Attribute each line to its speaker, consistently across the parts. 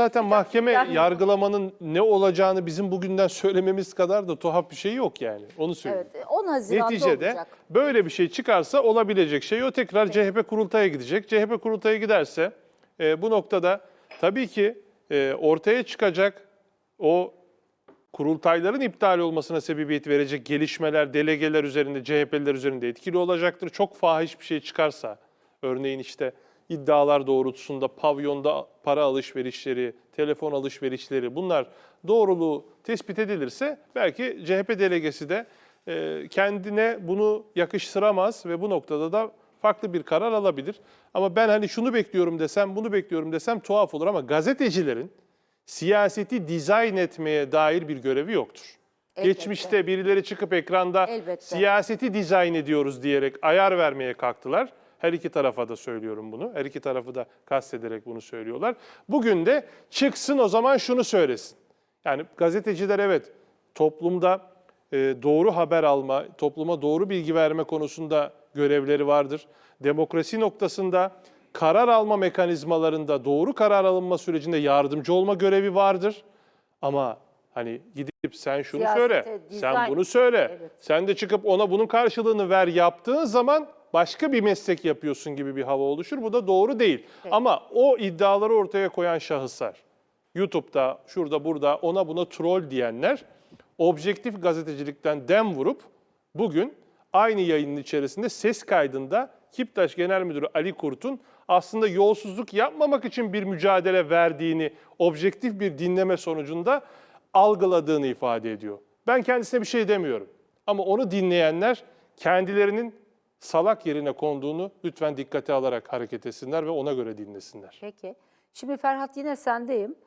Speaker 1: zaten mahkeme yargılamanın ne olacağını bizim bugünden söylememiz kadar da tuhaf bir şey yok yani. Onu söyleyeyim.
Speaker 2: Evet, 10 Haziran'da
Speaker 1: Neticede
Speaker 2: olacak.
Speaker 1: böyle bir şey çıkarsa olabilecek şey o, tekrar CHP kurultaya gidecek. CHP kurultaya giderse bu noktada tabii ki ortaya çıkacak o kurultayların iptal olmasına sebebiyet verecek gelişmeler delegeler üzerinde, CHP'liler üzerinde etkili olacaktır. Çok fahiş bir şey çıkarsa, örneğin işte iddialar doğrultusunda pavyonda para alışverişleri, telefon alışverişleri, bunlar doğruluğu tespit edilirse belki CHP delegesi de kendine bunu yakıştıramaz ve bu noktada da farklı bir karar alabilir. Ama ben hani şunu bekliyorum desem, bunu bekliyorum desem tuhaf olur, ama gazetecilerin siyaseti dizayn etmeye dair bir görevi yoktur.
Speaker 2: Elbette.
Speaker 1: Geçmişte birileri çıkıp ekranda
Speaker 2: Elbette.
Speaker 1: siyaseti dizayn ediyoruz diyerek ayar vermeye kalktılar. Her iki tarafa da söylüyorum bunu. Her iki tarafı da kastederek bunu söylüyorlar. Bugün de çıksın o zaman şunu söylesin. Yani gazeteciler evet toplumda doğru haber alma, topluma doğru bilgi verme konusunda görevleri vardır. Demokrasi noktasında karar alma mekanizmalarında doğru karar alınma sürecinde yardımcı olma görevi vardır. Ama hani gidip sen şunu
Speaker 2: Siyasete,
Speaker 1: söyle,
Speaker 2: dizayn,
Speaker 1: sen bunu söyle,
Speaker 2: evet.
Speaker 1: sen de çıkıp ona bunun karşılığını ver yaptığın zaman başka bir meslek yapıyorsun gibi bir hava oluşur. Bu da doğru değil.
Speaker 2: Evet.
Speaker 1: Ama o iddiaları ortaya koyan şahıslar, YouTube'da, şurada, burada, ona buna troll diyenler, objektif gazetecilikten dem vurup bugün aynı yayının içerisinde ses kaydında Kiptaş Genel Müdürü Ali Kurt'un aslında yolsuzluk yapmamak için bir mücadele verdiğini objektif bir dinleme sonucunda algıladığını ifade ediyor. Ben kendisine bir şey demiyorum. Ama onu dinleyenler kendilerinin salak yerine konduğunu lütfen dikkate alarak hareket etsinler ve ona göre dinlesinler.
Speaker 2: Peki. Şimdi Ferhat yine sendeyim.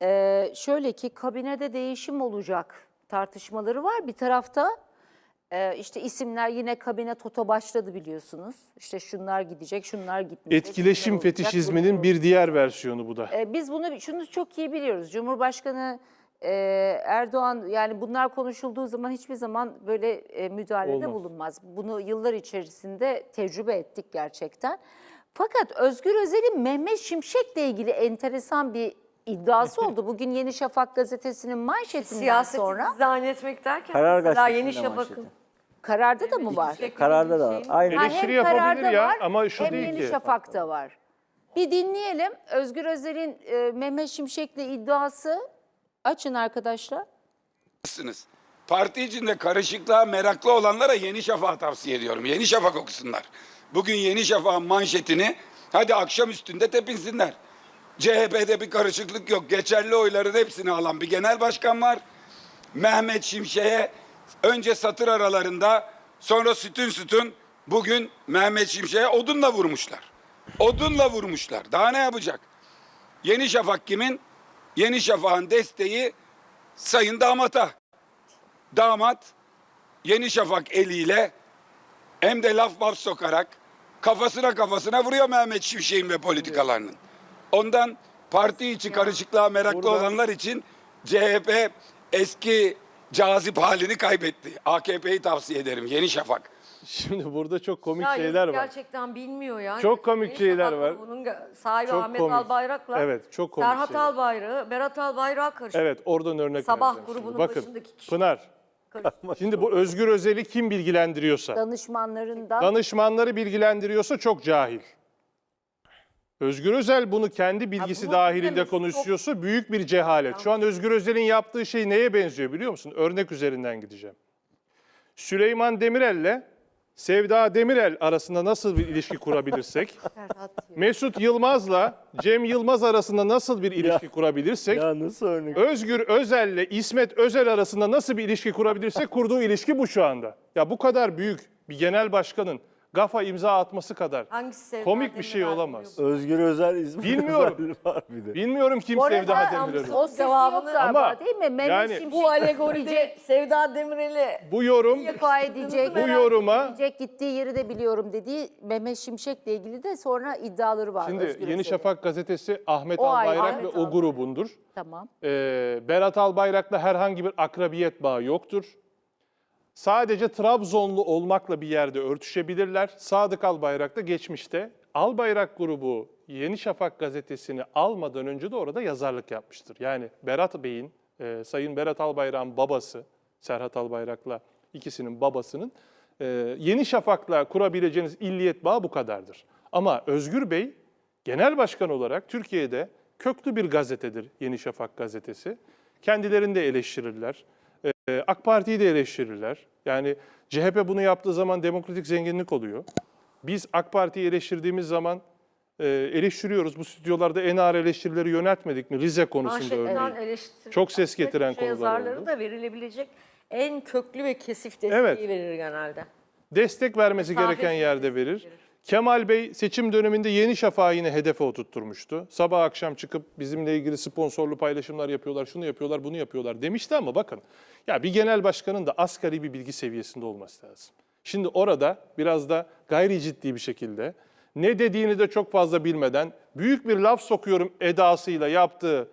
Speaker 2: Şöyle ki kabinede değişim olacak tartışmaları var. Bir tarafta işte isimler yine kabine toto başladı biliyorsunuz. İşte şunlar gidecek, şunlar gitmeyecek.
Speaker 1: Etkileşim
Speaker 2: şunlar olacak,
Speaker 1: fetişizminin
Speaker 2: bunlar
Speaker 1: bir diğer versiyonu bu da.
Speaker 2: biz şunu çok iyi biliyoruz. Cumhurbaşkanı Erdoğan, yani bunlar konuşulduğu zaman hiçbir zaman böyle müdahalede
Speaker 1: Olmaz.
Speaker 2: bulunmaz. Bunu yıllar içerisinde tecrübe ettik gerçekten. Fakat Özgür Özel'in Mehmet Şimşek'le ilgili enteresan bir iddiası oldu. Bugün Yeni Şafak gazetesinin manşetinden
Speaker 3: Siyaseti
Speaker 2: sonra.
Speaker 3: dizayn etmek derken
Speaker 4: Karar
Speaker 3: mesela
Speaker 4: Gazetesi'nde
Speaker 3: Yeni Şafak'ın
Speaker 4: manşeti.
Speaker 2: Kararda da mı var?
Speaker 4: Kararda da var. Aynı.
Speaker 2: Ha,
Speaker 1: Eleştiri
Speaker 2: hem
Speaker 1: yapabilir
Speaker 2: kararda
Speaker 1: ya
Speaker 2: var,
Speaker 1: ama şu
Speaker 2: hem
Speaker 1: değil
Speaker 2: Yeni
Speaker 1: ki.
Speaker 2: Şafak'ta var. Bir dinleyelim Özgür Özel'in Mehmet Şimşek'le iddiası. Açın arkadaşlar.
Speaker 5: Parti içinde karışıklığa meraklı olanlara Yeni Şafak'ı tavsiye ediyorum. Yeni Şafak okusunlar. Bugün Yeni Şafak'ın manşetini hadi akşam üstünde tepinsinler. CHP'de bir karışıklık yok. Geçerli oyların hepsini alan bir genel başkan var. Mehmet Şimşek'e önce satır aralarında, sonra sütun bugün Mehmet Şimşek'e odunla vurmuşlar. Odunla vurmuşlar. Daha ne yapacak? Yeni Şafak kimin? Yeni Şafak'ın desteği Sayın Damat'a. Damat Yeni Şafak eliyle hem de laf sokarak kafasına vuruyor Mehmet Şimşek'in ve politikalarının. Ondan parti içi karışıklığa meraklı olanlar için CHP eski cazip halini kaybetti. AKP'yi tavsiye ederim. Yeni Şafak.
Speaker 1: Şimdi burada çok komik
Speaker 3: Ya
Speaker 1: şeyler
Speaker 3: yazık
Speaker 1: var.
Speaker 3: gerçekten bilmiyor ya.
Speaker 1: Çok komik
Speaker 3: Yeni
Speaker 1: şeyler
Speaker 3: Şafak'la
Speaker 1: var.
Speaker 3: Bunun sahibi
Speaker 1: Çok
Speaker 3: Ahmet
Speaker 1: komik.
Speaker 3: Albayrak'la
Speaker 1: Evet, çok komik
Speaker 3: Serhat
Speaker 1: şeyler.
Speaker 3: Albayrak'ı, Berat Albayrak'ı karıştırıyor.
Speaker 1: Evet, oradan örnek
Speaker 3: Sabah
Speaker 1: vereceğim
Speaker 3: grubunun
Speaker 1: şimdi. Bakın,
Speaker 3: başındaki kişi.
Speaker 1: Pınar, şimdi bu Özgür Özel'i kim bilgilendiriyorsa,
Speaker 2: Danışmanlarından
Speaker 1: danışmanları bilgilendiriyorsa çok cahil. Özgür Özel bunu kendi bilgisi
Speaker 3: bunu
Speaker 1: dahilinde
Speaker 3: bilmemiz
Speaker 1: konuşuyorsa büyük bir cehalet. Şu an Özgür Özel'in yaptığı şey neye benziyor biliyor musun? Örnek üzerinden gideceğim. Süleyman Demirel'le Sevda Demirel arasında nasıl bir ilişki kurabilirsek, Mesut Yılmaz'la Cem Yılmaz arasında nasıl bir ilişki kurabilirsek,
Speaker 4: Ya nasıl örnek?
Speaker 1: Özgür Özel'le İsmet Özel arasında nasıl bir ilişki kurabilirsek kurduğu ilişki bu şu anda. Ya bu kadar büyük bir genel başkanın gafa imza atması kadar
Speaker 3: Hangisi Sevda
Speaker 1: komik bir şey
Speaker 3: Demirel
Speaker 1: olamaz.
Speaker 4: Özgür Özel İsmet
Speaker 1: Bilmiyorum.
Speaker 4: Özel var bir de.
Speaker 1: Bilmiyorum kim
Speaker 2: Bu arada
Speaker 1: Sevda Demirel'i.
Speaker 2: o sesi
Speaker 3: Cevabını-
Speaker 2: yok galiba
Speaker 1: Ama
Speaker 2: değil mi? Mehmet
Speaker 1: yani
Speaker 2: Şimşek
Speaker 3: Bu alegoride Sevda Demirel'i
Speaker 1: Bu yorum,
Speaker 2: istifa edecek.
Speaker 1: bu yoruma
Speaker 2: Gidecek, gittiği yeri de biliyorum dediği Mehmet Şimşek'le ilgili de sonra iddiaları var.
Speaker 1: şimdi
Speaker 2: Özgür
Speaker 1: Yeni
Speaker 2: Özel'in.
Speaker 1: Şafak gazetesi Ahmet
Speaker 2: O ayrı.
Speaker 1: Albayrak ve
Speaker 3: Ahmet
Speaker 1: o
Speaker 3: Albayrak.
Speaker 1: grubundur.
Speaker 2: Tamam.
Speaker 1: Berat Albayrak'la herhangi bir akrabiyet bağı yoktur. Sadece Trabzonlu olmakla bir yerde örtüşebilirler. Sadık Albayrak da geçmişte Albayrak grubu Yeni Şafak gazetesini almadan önce de orada yazarlık yapmıştır. Yani Berat Bey'in, Sayın Berat Albayrak'ın babası, Serhat Albayrak'la ikisinin babasının Yeni Şafak'la kurabileceğiniz illiyet bağı bu kadardır. Ama Özgür Bey genel başkan olarak Türkiye'de köklü bir gazetedir Yeni Şafak gazetesi. Kendilerini de eleştirirler. AK Parti'yi de eleştirirler. Yani CHP bunu yaptığı zaman demokratik zenginlik oluyor. Biz AK Parti'yi eleştirdiğimiz zaman eleştiriyoruz. Bu stüdyolarda en ağır eleştirileri yöneltmedik mi? Rize konusunda
Speaker 3: Manşetinden
Speaker 1: örneğin.
Speaker 3: eleştiri.
Speaker 1: Çok ses getiren
Speaker 3: Köşe
Speaker 1: konular
Speaker 3: yazarları
Speaker 1: oldu.
Speaker 3: da verilebilecek en köklü ve kesif desteği
Speaker 1: Evet.
Speaker 3: verir genelde.
Speaker 1: Destek vermesi
Speaker 3: Mesafesiz
Speaker 1: gereken yerde
Speaker 3: destek
Speaker 1: verir. Kemal Bey seçim döneminde Yeni Şafak'ı yine hedefe oturtturmuştu. Sabah akşam çıkıp bizimle ilgili sponsorlu paylaşımlar yapıyorlar, şunu yapıyorlar, bunu yapıyorlar demişti ama bakın ya bir genel başkanın da asgari bir bilgi seviyesinde olması lazım. Şimdi orada biraz da gayri ciddi bir şekilde ne dediğini de çok fazla bilmeden büyük bir laf sokuyorum edasıyla yaptığı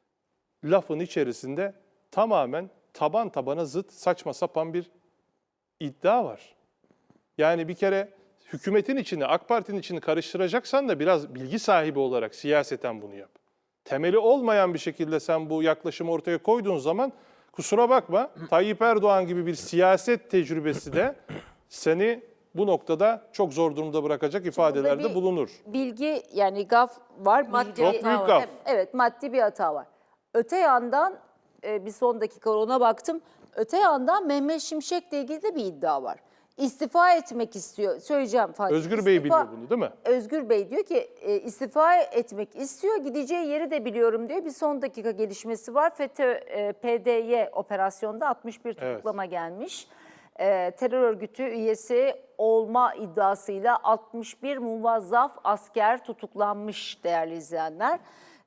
Speaker 1: lafın içerisinde tamamen taban tabana zıt saçma sapan bir iddia var. Yani bir kere hükümetin içini, AK Parti'nin içini karıştıracaksan da biraz bilgi sahibi olarak siyaseten bunu yap. Temeli olmayan bir şekilde sen bu yaklaşımı ortaya koyduğun zaman kusura bakma Tayyip Erdoğan gibi bir siyaset tecrübesi de seni bu noktada çok zor durumda bırakacak ifadelerde
Speaker 2: bir
Speaker 1: bulunur.
Speaker 2: Bilgi yani gaf var.
Speaker 3: Maddi
Speaker 2: bilgi-
Speaker 1: Çok büyük gaf.
Speaker 2: Evet, maddi bir hata var. Öte yandan bir son dakika ona baktım. Öte yandan Mehmet Şimşek'le ilgili de bir iddia var. İstifa etmek istiyor. Söyleyeceğim Fatih.
Speaker 1: Özgür Bey biliyor bunu değil mi?
Speaker 2: Özgür Bey diyor ki istifa etmek istiyor. Gideceği yeri de biliyorum diyor. Bir son dakika gelişmesi var. FETÖ PDY operasyonda 61 tutuklama gelmiş. Terör örgütü üyesi olma iddiasıyla 61 muvazzaf asker tutuklanmış değerli izleyenler.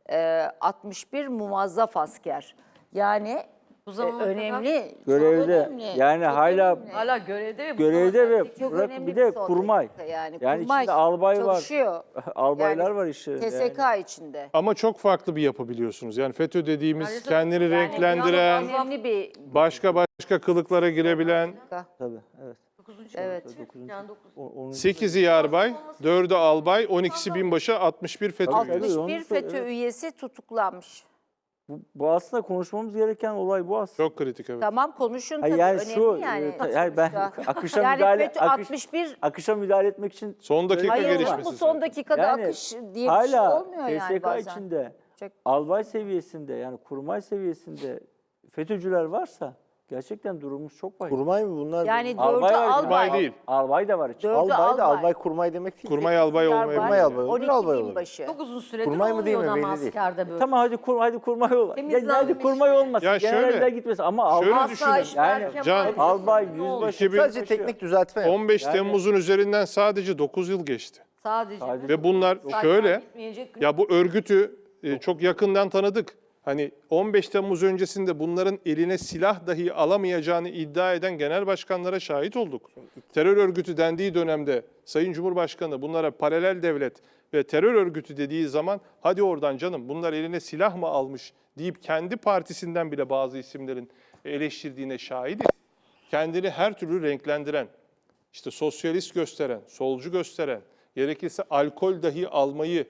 Speaker 2: 61 muvazzaf asker. Yani
Speaker 3: Bu zamana kadar
Speaker 2: önemli. çok
Speaker 4: Görevde.
Speaker 2: önemli,
Speaker 4: Yani
Speaker 2: çok
Speaker 4: hala
Speaker 2: önemli.
Speaker 3: hala görevde ve bu
Speaker 4: görevde ve
Speaker 2: Çok
Speaker 4: bırak
Speaker 2: önemli
Speaker 4: bir de
Speaker 2: son
Speaker 4: kurmay.
Speaker 2: dakika yani.
Speaker 4: Yani
Speaker 2: Kurmay
Speaker 4: içinde albay var.
Speaker 2: çalışıyor.
Speaker 4: Albaylar
Speaker 2: Yani
Speaker 4: var işlerinde.
Speaker 2: TSK içinde.
Speaker 1: Ama çok farklı bir yapı biliyorsunuz. Yani FETÖ dediğimiz
Speaker 3: Yani
Speaker 1: kendini
Speaker 3: yani
Speaker 1: renklendiren,
Speaker 2: Önemli bir
Speaker 1: başka kılıklara girebilen
Speaker 4: Tabii, evet.
Speaker 2: evet.
Speaker 3: yani dokuz-
Speaker 1: 8'i yarbay, 4'ü albay, 12'si binbaşı, 61 FETÖ
Speaker 4: Tabii,
Speaker 1: üyesi.
Speaker 4: tabii.
Speaker 2: 61
Speaker 4: onu
Speaker 2: FETÖ
Speaker 4: söyle-
Speaker 2: üyesi tutuklanmış.
Speaker 4: Bu aslında konuşmamız gereken olay bu aslında.
Speaker 1: Çok kritik evet.
Speaker 2: Tamam konuşun
Speaker 4: Hayır,
Speaker 2: tabii
Speaker 4: yani
Speaker 2: önemli
Speaker 4: şu,
Speaker 2: yani.
Speaker 4: yani ben
Speaker 2: sonuçta.
Speaker 4: akışa
Speaker 2: Yani
Speaker 4: müdahale
Speaker 2: FETÖ
Speaker 4: akış-
Speaker 2: 61
Speaker 4: akışa müdahale etmek için
Speaker 1: Son dakika
Speaker 2: hayır olur
Speaker 1: gelişmesi.
Speaker 2: mu son
Speaker 1: zaten.
Speaker 2: dakikada
Speaker 4: yani
Speaker 2: akış diye bir
Speaker 4: hala
Speaker 2: şey olmuyor yani
Speaker 4: TSK
Speaker 2: bazen.
Speaker 4: içinde
Speaker 2: Çok-
Speaker 4: albay seviyesinde yani kurmay seviyesinde FETÖ'cüler varsa gerçekten durumumuz çok vahim.
Speaker 6: Kurmay mı bunlar?
Speaker 2: Yani
Speaker 4: Albay
Speaker 2: dördü
Speaker 4: var,
Speaker 1: Albay
Speaker 2: albay.
Speaker 1: değil.
Speaker 4: Albay da var içinde.
Speaker 2: Dördü
Speaker 6: albay da albay kurmay demek değil.
Speaker 1: Kurmay albay olmayabilir.
Speaker 6: Kurmay albay olur,
Speaker 2: 12
Speaker 6: albay olur.
Speaker 2: binbaşı.
Speaker 3: Çok uzun süredir
Speaker 6: Kurmay mı değil mi
Speaker 3: olmuyor ama
Speaker 6: belli değil.
Speaker 3: askerde böyle.
Speaker 4: Tamam hadi kurmay ol.
Speaker 3: Temizlenmiş
Speaker 4: Hadi kurmay olmasın.
Speaker 1: Ya şöyle-
Speaker 4: Genelde gitmesin ama
Speaker 1: şöyle
Speaker 4: albay,
Speaker 1: düşünün.
Speaker 3: Asayişler,
Speaker 4: Yani
Speaker 1: Can,
Speaker 3: Kemal,
Speaker 4: albay,
Speaker 3: ne oldu?
Speaker 4: yüzbaşı.
Speaker 1: 2000
Speaker 6: Sadece teknik düzeltme yap.
Speaker 1: 15
Speaker 4: Yani-
Speaker 1: Temmuz'un üzerinden sadece 9 yıl geçti.
Speaker 3: Sadece.
Speaker 1: Ve bunlar şöyle,
Speaker 3: Gitmeyecek gün-
Speaker 1: ya bu örgütü çok yakından tanıdık. Hani 15 Temmuz öncesinde bunların eline silah dahi alamayacağını iddia eden genel başkanlara şahit olduk. Terör örgütü dendiği dönemde Sayın Cumhurbaşkanı bunlara paralel devlet ve terör örgütü dediği zaman hadi oradan canım bunlar eline silah mı almış deyip kendi partisinden bile bazı isimlerin eleştirdiğine şahidiz. Kendini her türlü renklendiren, işte sosyalist gösteren, solcu gösteren, gerekirse alkol dahi almayı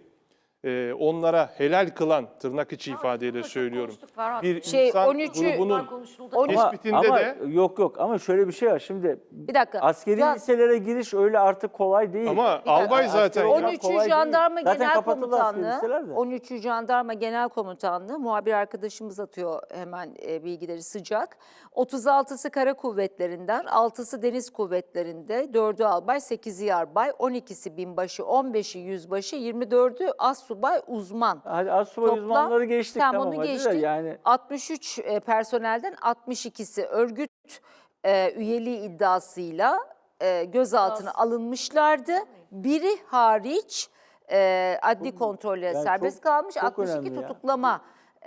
Speaker 1: onlara helal kılan tırnak içi ifadeyle
Speaker 3: çok
Speaker 1: söylüyorum.
Speaker 3: konuştuk Ferhat.
Speaker 1: Bir
Speaker 2: Şey,
Speaker 1: insan
Speaker 2: 13'ü
Speaker 1: grubunun
Speaker 3: konuşuldu.
Speaker 1: tespitinde
Speaker 4: ama
Speaker 1: de
Speaker 4: yok ama şöyle bir şey var şimdi.
Speaker 2: Bir dakika.
Speaker 4: Askeri
Speaker 2: Can-
Speaker 4: liselere giriş öyle artık kolay değil.
Speaker 1: ama albay zaten
Speaker 4: askeri-
Speaker 2: 13.
Speaker 4: kolay değil.
Speaker 2: Jandarma
Speaker 4: Zaten
Speaker 2: Genel
Speaker 4: kapatıldı askeri
Speaker 2: Komutanlığı,
Speaker 4: liseler de.
Speaker 2: 13. Jandarma Genel Komutanlığı, muhabir arkadaşımız atıyor hemen bilgileri sıcak. 36'sı Kara Kuvvetleri'nden, 6'sı Deniz Kuvvetleri'nde, 4'ü albay, 8'i yarbay, 12'si binbaşı, 15'i yüzbaşı, 24'ü assubay uzman.
Speaker 4: Hadi assubay uzmanları geçtik
Speaker 2: Tamam,
Speaker 4: tamam
Speaker 2: onu
Speaker 4: hadi de
Speaker 2: geçtik.
Speaker 4: yani
Speaker 2: 63 personelden 62'si örgüt üyeliği iddiasıyla gözaltına alınmışlardı. Biri hariç adli kontrolle
Speaker 4: yani
Speaker 2: serbest
Speaker 4: çok-
Speaker 2: kalmış.
Speaker 4: çok
Speaker 2: 62
Speaker 4: önemli ya.
Speaker 2: tutuklama,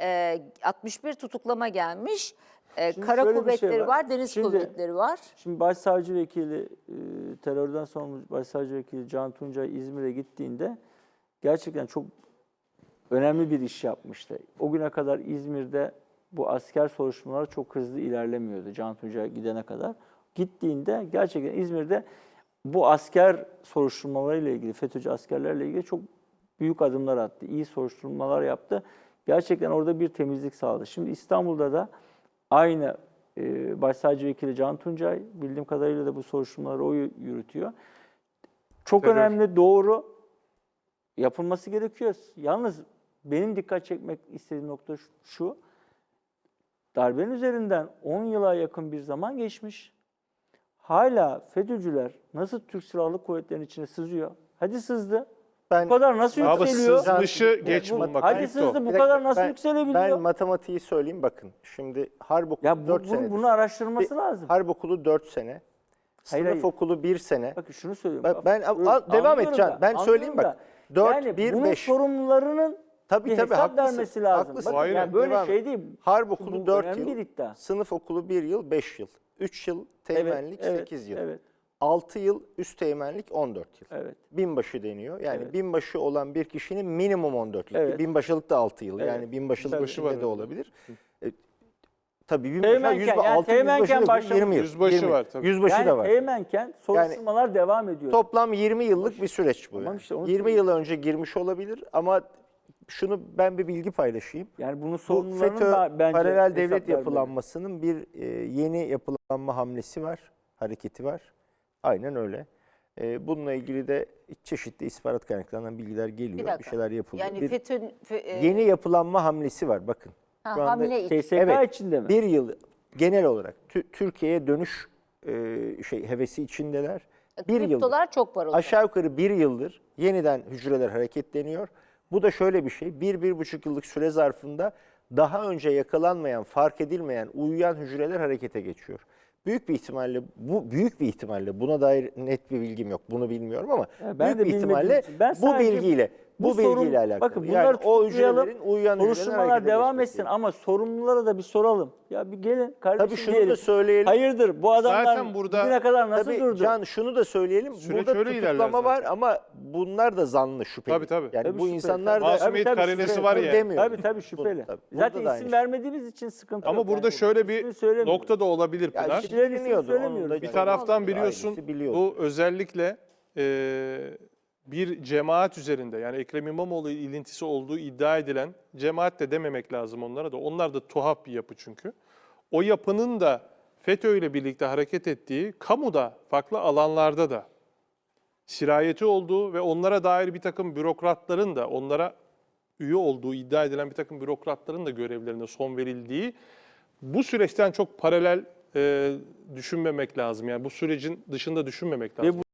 Speaker 2: 61 tutuklama gelmiş.
Speaker 4: Şimdi
Speaker 2: Kara
Speaker 4: şöyle bir şey
Speaker 2: kuvvetleri
Speaker 4: var.
Speaker 2: var, deniz
Speaker 4: Şimdi-
Speaker 2: kuvvetleri var.
Speaker 4: Şimdi Başsavcı Vekili terörden sorumlu Başsavcı Vekili Can Tuncay İzmir'e gittiğinde gerçekten çok önemli bir iş yapmıştı. O güne kadar İzmir'de bu asker soruşturmaları çok hızlı ilerlemiyordu Can Tuncay gidene kadar. Gittiğinde gerçekten İzmir'de bu asker soruşturmalarıyla ilgili, FETÖ'cü askerlerle ilgili çok büyük adımlar attı. İyi soruşturmalar yaptı. Gerçekten orada bir temizlik sağladı. Şimdi İstanbul'da da aynı Başsavcı Vekili Can Tuncay, bildiğim kadarıyla da bu soruşturmaları o yürütüyor. Çok
Speaker 1: Terör.
Speaker 4: önemli, doğru, yapılması gerekiyor. Yalnız benim dikkat çekmek istediğim nokta şu, darbenin üzerinden 10 yıla yakın bir zaman geçmiş. Hala FETÖ'cüler nasıl Türk Silahlı Kuvvetleri'nin içine sızıyor? Hadi sızdı.
Speaker 6: Ben,
Speaker 4: Bu kadar nasıl
Speaker 1: Abi
Speaker 4: yükseliyor?
Speaker 1: sızmışı geç bulmak.
Speaker 4: Hadi
Speaker 1: Ayıp da o.
Speaker 4: sızdı, bu
Speaker 6: Bir dakika,
Speaker 4: kadar nasıl
Speaker 6: ben
Speaker 4: yükselebiliyor?
Speaker 6: matematiği söyleyeyim bakın. Şimdi harp okulu
Speaker 4: Ya
Speaker 6: 4 senedir.
Speaker 4: bunu araştırması lazım.
Speaker 6: Harp okulu 4 sene. Sınıf
Speaker 4: hayır.
Speaker 6: okulu 1 sene.
Speaker 4: Bakın şunu söylüyorum.
Speaker 6: Devam
Speaker 4: Anlıyorum
Speaker 6: edeceğim.
Speaker 4: da,
Speaker 6: Ben söyleyeyim
Speaker 4: anlıyorum
Speaker 6: bak.
Speaker 4: da.
Speaker 6: 4,
Speaker 4: yani
Speaker 6: 1,
Speaker 4: bunun
Speaker 6: 5.
Speaker 4: sorumlularının
Speaker 6: Tabii
Speaker 4: bir
Speaker 6: tabii
Speaker 4: hesap
Speaker 6: haklısın.
Speaker 4: vermesi lazım.
Speaker 6: Haklısın.
Speaker 4: Bakın
Speaker 1: Hayır,
Speaker 4: yani böyle
Speaker 6: devam
Speaker 4: şey
Speaker 6: et.
Speaker 4: değil.
Speaker 6: Harp
Speaker 4: Bu
Speaker 6: okulu 4
Speaker 4: önemli
Speaker 6: yıl.
Speaker 4: bir iddia.
Speaker 6: Sınıf okulu 1 yıl, 5 yıl. 3 yıl teğmenlik,
Speaker 4: evet,
Speaker 6: 8 yıl.
Speaker 4: Evet,
Speaker 6: 6 yıl üst teğmenlik, 14 yıl.
Speaker 4: evet.
Speaker 6: Binbaşı deniyor. Yani
Speaker 4: Evet.
Speaker 6: binbaşı olan bir kişinin minimum 14 yıl.
Speaker 4: Evet.
Speaker 6: Binbaşılık da 6 yıl.
Speaker 4: Evet.
Speaker 6: Yani binbaşılık
Speaker 1: Yüzbaşı
Speaker 6: içinde
Speaker 1: var
Speaker 6: de
Speaker 1: öyle.
Speaker 6: olabilir. Tabii binbaşı
Speaker 4: Teğmenken,
Speaker 6: 6
Speaker 4: teğmenken
Speaker 6: yüzbaşı
Speaker 4: başlamış.
Speaker 6: 20 yıl.
Speaker 1: Yüzbaşı
Speaker 6: 20.
Speaker 1: var tabii.
Speaker 6: Yüzbaşı
Speaker 4: Yani
Speaker 6: da var.
Speaker 4: teğmenken soruşturmalar devam ediyor.
Speaker 6: Toplam 20 yıllık bir süreç bu.
Speaker 4: Tamam
Speaker 6: yani.
Speaker 4: işte onu
Speaker 6: 20 yıl önce girmiş olabilir ama şunu ben bir bilgi paylaşayım.
Speaker 4: Yani bunun
Speaker 6: Bu
Speaker 4: sorumlularının
Speaker 6: FETÖ
Speaker 4: da bence
Speaker 6: paralel
Speaker 4: hesap
Speaker 6: devlet
Speaker 4: vermeleri.
Speaker 6: yapılanmasının bir yeni yapılanma hamlesi var, hareketi var. Aynen öyle. Bununla ilgili de çeşitli istihbarat kaynaklarından bilgiler geliyor.
Speaker 2: Bir
Speaker 6: Bir,
Speaker 2: dakika.
Speaker 6: şeyler yapılıyor.
Speaker 2: Yani
Speaker 6: Bir
Speaker 2: FETÖ
Speaker 6: yeni yapılanma hamlesi var bakın. Şu anda
Speaker 2: hamle için.
Speaker 4: TSK
Speaker 6: Evet,
Speaker 4: içinde mi?
Speaker 6: bir yıl genel olarak Türkiye'ye dönüş hevesi içindeler. Bir yıl.
Speaker 2: Kriptolar çok var o zaman.
Speaker 6: Aşağı yukarı bir yıldır yeniden hücreler hareketleniyor. Bu da şöyle bir şey, 1-1,5 yıllık süre zarfında daha önce yakalanmayan, fark edilmeyen, uyuyan hücreler harekete geçiyor. Büyük bir ihtimalle buna dair net bir bilgim yok. Bunu bilmiyorum ama
Speaker 4: ben de
Speaker 6: büyük bir
Speaker 4: bilmediğim
Speaker 6: ihtimalle
Speaker 4: için. Ben
Speaker 6: bu
Speaker 4: sadece
Speaker 6: bilgiyle alakalı.
Speaker 4: Bakın bunları
Speaker 6: yani o
Speaker 4: tutuklayalım,
Speaker 6: hücrelerin uyuyan hücrelerin
Speaker 4: soruşturmalar
Speaker 6: harekete
Speaker 4: devam
Speaker 6: geçmesi.
Speaker 4: etsin ama sorumlulara da bir soralım. Ya bir gelin kardeşim
Speaker 6: Tabii şunu
Speaker 4: diyelim.
Speaker 6: da söyleyelim.
Speaker 4: Hayırdır bu adamlar
Speaker 1: Zaten burada-
Speaker 4: bugüne kadar nasıl
Speaker 6: Tabii
Speaker 4: durdu?
Speaker 6: Can şunu da söyleyelim.
Speaker 1: Süreç
Speaker 6: Burada
Speaker 1: öyle ilerler
Speaker 6: tutuklama
Speaker 1: zaten.
Speaker 6: var ama bunlar da zanlı şüpheli.
Speaker 1: Tabii, tabii.
Speaker 6: Yani
Speaker 4: Tabii
Speaker 6: bu
Speaker 4: şüpheli.
Speaker 6: insanlar da
Speaker 1: Masumiyet
Speaker 4: Tabii,
Speaker 1: karinesi
Speaker 4: şüpheli.
Speaker 1: var
Speaker 6: Bunu
Speaker 1: ya.
Speaker 6: demiyorum.
Speaker 4: Tabii şüpheli.
Speaker 6: Burada
Speaker 4: Zaten
Speaker 6: da aynı
Speaker 4: isim
Speaker 6: şey.
Speaker 4: vermediğimiz için sıkıntı
Speaker 1: Ama
Speaker 4: yok.
Speaker 1: burada
Speaker 4: Yani
Speaker 1: şöyle
Speaker 4: ismini
Speaker 1: bir
Speaker 4: söylemiyoruz.
Speaker 1: nokta da olabilir
Speaker 6: Ya
Speaker 1: Pınar.
Speaker 6: işte
Speaker 4: Bileniyordu,
Speaker 6: biliniyordu,
Speaker 4: söylemiyoruz
Speaker 6: onun da
Speaker 4: yani.
Speaker 1: Bir
Speaker 6: çok
Speaker 1: taraftan
Speaker 6: ailesi
Speaker 1: biliyorsun
Speaker 6: biliyordu.
Speaker 1: bu özellikle bir cemaat üzerinde yani Ekrem İmamoğlu ilintisi olduğu iddia edilen cemaat de dememek lazım onlara da. Onlar da tuhaf bir yapı çünkü. O yapının da FETÖ ile birlikte hareket ettiği kamuda farklı alanlarda da sirayeti olduğu ve onlara dair bir takım bürokratların da onlara üye olduğu iddia edilen bir takım bürokratların da görevlerine son verildiği bu süreçten çok paralel düşünmemek lazım. Yani bu sürecin dışında düşünmemek lazım.